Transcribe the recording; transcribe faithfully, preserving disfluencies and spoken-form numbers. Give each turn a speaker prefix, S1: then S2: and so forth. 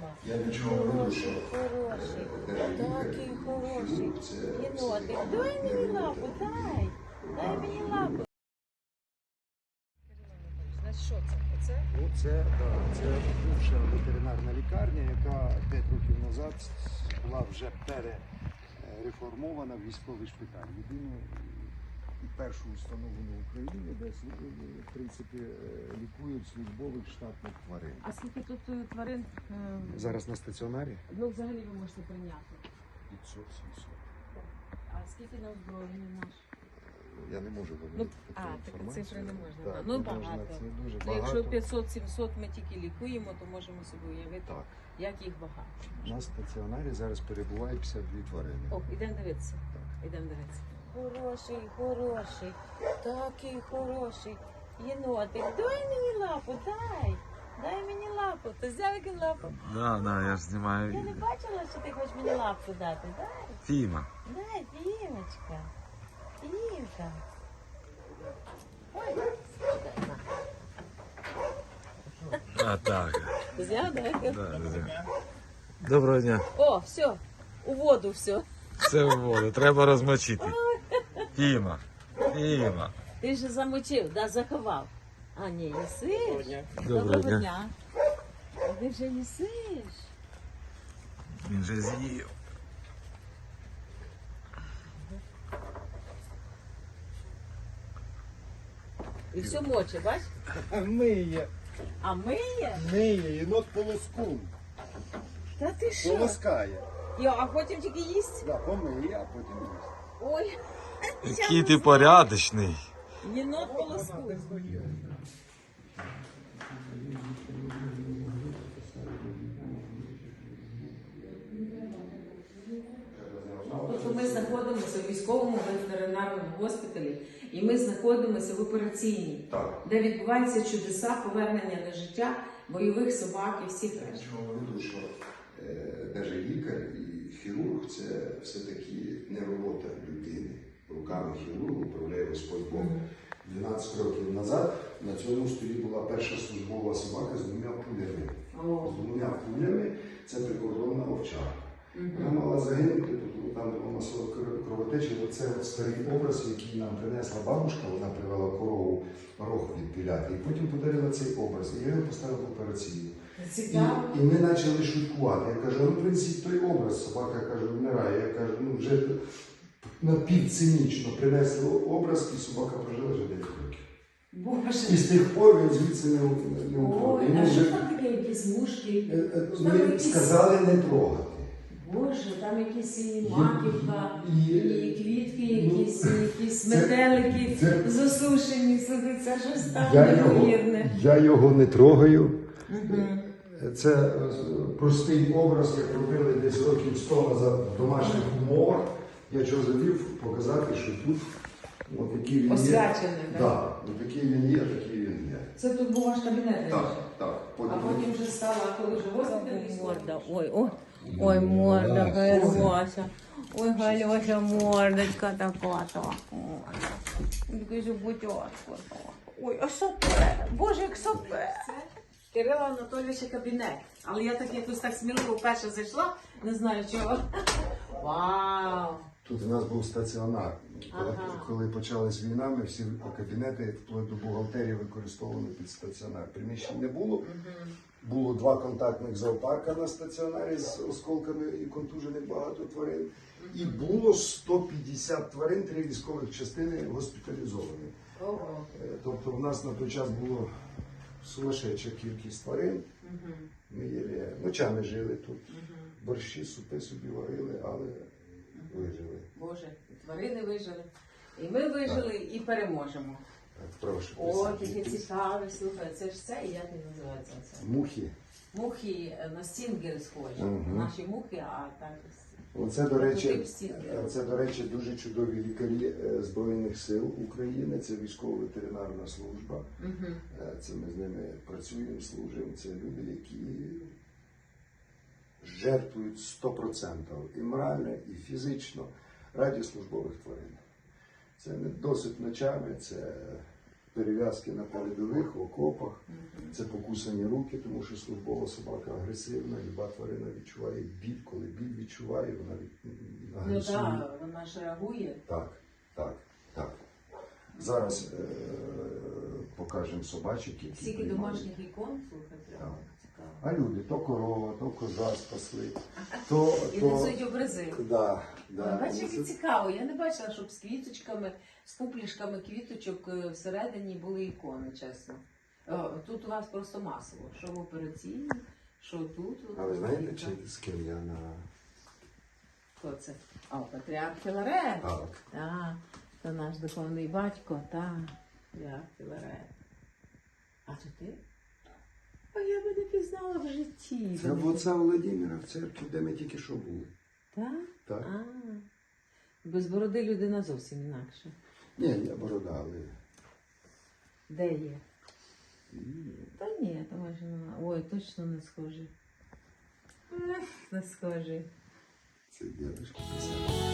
S1: Діма.
S2: Я нічого не веду, що
S1: Хороший,
S2: е,
S1: такий хороший.
S2: це
S1: Єнотик, дай мені лапу, дай. Дай мені лапу. Значить, що це? Оце?
S3: Оце, да, це бувша ветеринарна лікарня, яка п'ять років назад була вже перереформована в військовий шпиталь. Єдину і першу установу в Україні, де в принципі лікують службових штатних тварин.
S1: А скільки тут е, тварин? е,
S3: Зараз на стаціонарі
S1: Ну, взагалі ви можете прийняти.
S3: п'ятсот сімсот.
S1: А скільки на озброєння наш?
S3: Я не можу
S1: Ну,
S3: говорити
S1: а,
S3: таку
S1: такі
S3: інформацію.
S1: цифри не можна.
S3: Так,
S1: так. Ну,
S3: не можна,
S1: багато.
S3: це дуже
S1: Ну, якщо
S3: багато.
S1: п'ятсот-сімсот ми тільки лікуємо, то можемо собі уявити,
S3: Так.
S1: як їх багато.
S3: На стаціонарі зараз перебуває п'ятдесят дві тварини.
S1: О, ідемо дивитися. Ідемо дивитися. Хороший, хороший, такий хороший. Єнотик, дай мені лапу, дай. Дай мені лапу. Ти взяв яку лапу?
S4: Да, да, я ж знімаю
S1: Я не
S4: відео.
S1: бачила, що ти хочеш мені лапу дати. Дай,
S4: Фіма.
S1: дай, Дімочка. Дімка. Ой, на.
S4: А так.
S1: Взяв, дай.
S4: Да, да. Доброго дня.
S1: О, все, у воду все.
S4: Все в воду, треба розмочити. Фіма. Фіма.
S1: Ти ж замочив, да, заховав. А, ні, їсиш?
S4: Доброго дня.
S1: дня. А ти вже їсиш?
S4: Він же з'їв.
S1: І все моче, бач?
S3: Миє,
S1: А миє?
S3: миє, єнот полоскун.
S1: Та ти що?
S3: Полоскає.
S1: Йо, а потім тільки їсть?
S3: Да, помиє, а потім їсть.
S1: Ой,
S4: Який ти порядочний.
S1: єнот полоску. Тобто ми знаходимося в військовому ветеринарному госпіталі, і ми знаходимося в операційній,
S2: Так.
S1: де відбуваються чудеса повернення на життя бойових собак і всіх
S2: Я
S1: решт.
S2: нічого не веду, що е, навіть лікар і хірург це все-таки не робота людини. Руками хірурга управляє Господь Бог. дванадцять років назад на цьому столі була перша службова собака з двома пулями.
S1: О.
S2: З двома пулями це прикордонна овчарка. Вона мала загинути, тому там була масова кровотеча. Оце от старий образ, який нам принесла бабушка, вона привела корову рог відпіляти. І потім подарила цей образ. І я його поставив в операційну. І,
S1: Цікаво.
S2: і ми почали шуткувати. Я кажу, ну принесіть той образ. Собака каже, вмирає. Я кажу, ну вже напівцинічно принесли образ, і собака прожила вже дев'ять років.
S1: Боже.
S2: І з тих пор він звідси не, не уходить.
S1: Ой,
S2: Йому
S1: а що
S2: вже-
S1: там таке, якісь мушки?
S2: Е, е,
S1: Що там
S2: Ми
S1: якісь-
S2: сказали не трогати.
S1: Боже, там якісь і маківка,
S2: І-
S1: і квітки,
S2: ну,
S1: якісь, і якісь
S2: це-
S1: метелики
S2: це-
S1: засушені. Слухай, це щось там
S2: Я його,
S1: неймовірне.
S2: я його не трогаю.
S1: Мгм.
S2: Це е, простий образ, як робили десь років сто назад в домашніх умовах. Я чого завів показати, що тут от який він є.
S1: Освячений, так?
S2: Так, от який він є, такий він є.
S1: Це тут був ваш кабінет,
S2: Так,
S1: раніше?
S2: так.
S1: А потім вже стала, коли вже госпіталь. Морда, ой, ой, ой, морда, Галюся. Ой, Галюся, мордочка така, так. Такий же бутьочко. Ой, а сопе, боже, як сопе. Кирила Анатолійовича кабінет. Але я так якось так сміливо вперше зайшла, не знаю чого. Вау!
S2: Тут у нас був стаціонар. Коли,
S1: Ага.
S2: коли почалась війна, ми всі кабінети вплоть до бухгалтерії використовували під стаціонар. Приміщень не було. Було два контактних зоопарка на стаціонарі з осколками і контужених багато тварин. І було сто п'ятдесят тварин, три військових частини госпіталізовані.
S1: Ого.
S2: Е, Тобто в нас на той час було сумасшедша кількість тварин. Ми єлі ночами жили тут. Борщі, супи собі варили, але вижили.
S1: Боже, і тварини вижили. І ми вижили, і переможемо.
S2: Так, прошу.
S1: О,
S2: присядьте.
S1: яке цікаве, слухай, це ж це, і як він називається це?
S2: Мухи.
S1: Мухи е, на стінгери схожі.
S2: Мгм.
S1: Наші мухи, а так.
S2: Оце, до речі,
S1: Тип стінгера.
S2: це, до речі, дуже чудові лікарі е, Збройних сил України. Це військово-ветеринарна служба.
S1: Угу.
S2: Е, Це ми з ними працюємо, служимо. Це люди, які жертвують сто відсотків і морально, і фізично раді службових тварин. Це не досить ночами, це перев'язки на передових, в окопах. Це покусані руки, тому що службова собака агресивна, люба тварина відчуває біль, коли біль відчуває, вона від...
S1: Ну
S2: агресує.
S1: так, вона ж реагує.
S2: Так, так, так. Зараз е- покажемо собачок, які
S1: Скільки
S2: приймають.
S1: домашніх ікон, слухай, прямо цікаво.
S2: А люди, то корова, то коза спасли, то...
S1: І
S2: то...
S1: несуть образи.
S2: Да, да.
S1: Бачиш, як
S2: Це-
S1: цікаво. Я не бачила, щоб з квіточками, з пуплішками квіточок е, всередині були ікони, чесно. О, тут у вас просто масово. Що в операційній, що тут. от
S2: А ви знаєте,
S1: так.
S2: чи з ким я на...
S1: Хто це? О, патріарх Філарет.
S2: Так.
S1: Так, це наш духовний батько, так, патріарх Філарет. А то ти? А я би не пізнала в житті.
S2: Це в отця Володимира в церкві, де ми тільки що були.
S1: Так?
S2: Так.
S1: А, без бороди людина зовсім інакша.
S2: Ні, я борода, але...
S1: Де є? Та ні, там майже немає. Ой, точно не схожий. Ех, не схожий.
S2: Це дядечко писав.